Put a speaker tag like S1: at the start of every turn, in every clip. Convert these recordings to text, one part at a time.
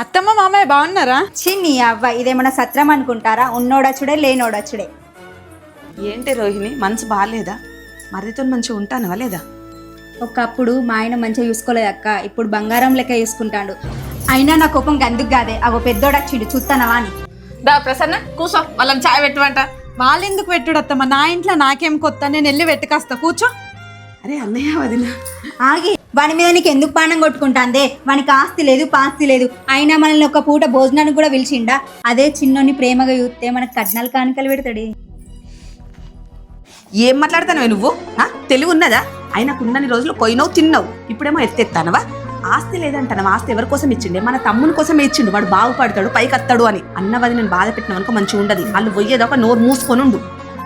S1: అత్తమ్మ మామయ్య బాగున్నారా?
S2: చిన్ని అవ్వ ఇదేమన్నా సత్రం అనుకుంటారా? ఉన్నోడచ్చుడే లేనోడచ్చుడే.
S3: ఏంటి రోహిణి, మనసు బాగాలేదా? మరిదితో మంచిగా ఉంటానవా లేదా?
S2: ఒకప్పుడు మా ఆయన మంచిగా చూసుకోలేదక్క, ఇప్పుడు బంగారం లెక్క చూసుకుంటాడు. అయినా నా కోపం గందుకు కాదే, అగో పెద్దోడచ్చిండు చూస్తానవా అని.
S3: దా ప్రసన్న కూసో, వాళ్ళని చాయ్ పెట్టమంట.
S1: వాళ్ళెందుకు పెట్టుడు అత్తమ్మ? నా ఇంట్లో నాకేం కొత్త, నేను వెళ్ళి వెట్టుకొస్తా, కూర్చో.
S3: అరే అన్నయ్య వదిన
S2: ఆగి, వాని మీద నీకు ఎందుకు పానం కొట్టుకుంటాందే? వానికి ఆస్తి లేదు పాస్తి లేదు, అయినా మనల్ని ఒక పూట భోజనానికి కూడా పిలిచిండా? అదే చిన్నోని ప్రేమగా చూస్తే మనకు కట్నాలు కానుకలు పెడతాడే.
S3: ఏం మాట్లాడతానవే నువ్వు? తెలివి ఉన్నదా? ఆయనకున్నన్ని రోజులు పోయినావు తిన్నావు, ఇప్పుడేమో ఎత్తెత్తానవా? ఆస్తి లేదంటాను. ఆస్తి ఎవరి కోసం ఇచ్చిండే? మన తమ్ముని కోసమే ఇచ్చిండు. వాడు బాగుపడతాడు, పైకి వస్తాడు అని. అన్న వదిన నేను బాధ పెట్టిన అనుకో మంచిగా ఉండదు. వాళ్ళు పోయేదాకా నోరు మూసుకొని ఉండు.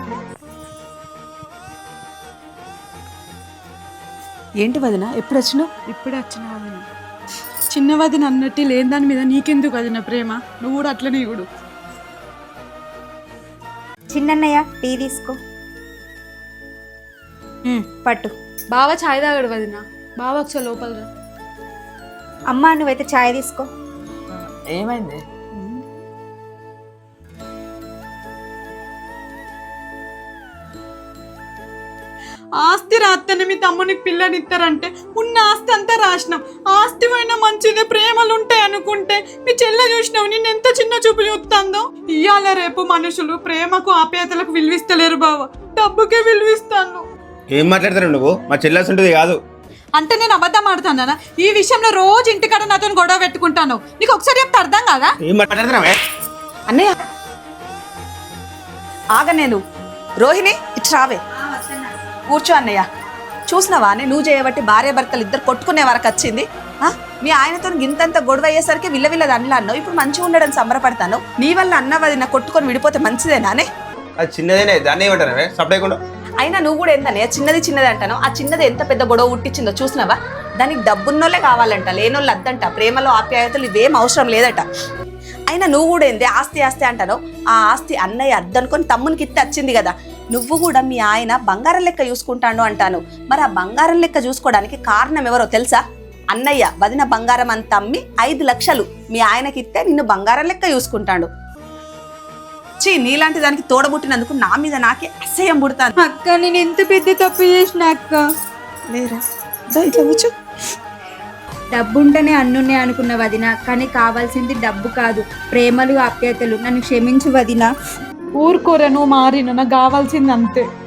S3: ఏంటి వదిన ఎప్పుడు వచ్చినావు?
S1: ఇప్పుడే వచ్చిన వదిన. చిన్న వదిన అన్నట్టు లేని దాని మీద నీకెందుకు వదిన ప్రేమ? నువ్వు కూడా అట్లనే కూడా.
S2: చిన్నన్నయ్య టీ తీసుకో. పట్టు.
S1: బావ ఛాయ్ తాగడు వదిన. బావ ఒకసారి లోపల రా.
S2: అమ్మా నువ్వైతే ఛాయ్ తీసుకో.
S3: ఏమైంది?
S1: ఆస్తి రాత్తనే మీ తమ్మునికి పిల్లనిస్తారంటే ఉన్న ఆస్తి అంతా రాసినాం. ఆస్తి పోయినా మంచిదే, ప్రేమలు ఉంటాయి అనుకుంటే మీ చెల్లె చూసినావు నేను ఎంత చిన్న చూపు చూస్తుందో. ఇయ్యాల రేపు మనుషులు ప్రేమకు ఆప్యాయతలకు విలువిస్తలేరు బావ, డబ్బుకే విలువిస్తాను.
S4: ఏం మాట్లాడతారు నువ్వు? మా చెల్లెల్సి ఉంటుంది కాదు
S1: అంటే నేను అబద్ధం ఆడుతానా? ఈ విషయంలో రోజు ఇంటికాడ నాతో గొడవ పెట్టుకుంటాను. నీకు ఒకసారి చెప్తే అర్థం కాదా?
S4: ఏం మాట్లాడుతున్నావే?
S3: అన్నయ్య ఆగ, నేను రోహిణి ఇటు రావే, కూర్చో. అన్నయ్య చూసినావా, నువ్వు చేయబట్టి భార్య భర్తలు ఇద్దరు కొట్టుకునే వరకు వచ్చింది. మీ ఆయనతో గింతంత గొడవ అయ్యేసరికి విల్లవిల్లది అన్నలా అన్నావు. ఇప్పుడు మంచిగా ఉండడం సంబరపడతాను. నీ వల్ల అన్నవది నా కొట్టుకొని విడిపోతే మంచిదేనానే?
S4: అది చిన్నదేనే, దాన్ని ఏమంటారా సపరేకుండా?
S3: అయినా నువ్వు కూడా ఏందనే చిన్నది చిన్నది అంటాను. ఆ చిన్నది ఎంత పెద్ద గొడవ ఉట్టించిందో చూసినావా? దానికి డబ్బున్నోళ్ళే కావాలంట, లేనోళ్ళు అద్దంట. ప్రేమలో ఆప్యాయతలు ఇవేం అవసరం లేదట. అయినా నువ్వు కూడా ఏంది ఆస్తి ఆస్తి అంటాను. ఆ ఆస్తి అన్నయ్య అద్దనుకొని తమ్మునికి ఇత్తే వచ్చింది కదా. నువ్వు కూడా మీ ఆయన బంగారం లెక్క చూసుకుంటాను అంటాను. మరి ఆ బంగారం లెక్క చూసుకోవడానికి కారణం ఎవరో తెలుసా? అన్నయ్య వదిన బంగారం అంత అమ్మి 5 లక్షలు మీ ఆయనకి ఇస్తే నిన్ను బంగారం లెక్క చూసుకుంటాడు. చీ, నీలాంటి దానికి తోడబుట్టినందుకు నా మీద నాకే అసహ్యం పుడతాను.
S2: అక్క నేను ఎంత పెద్ద తప్పు చేసిన అక్క.
S3: లేరా ఇట్లా కూర్చో.
S2: డబ్బు ఉంటేనే అన్నున్నే అనుకున్న వదిన, కానీ కావాల్సింది డబ్బు కాదు, ప్రేమలు ఆప్యాయతలు. నన్ను క్షమించు వదిన.
S1: ఊరుకోరా, నువ్వు మారిన, నాకు కావాల్సింది అంతే.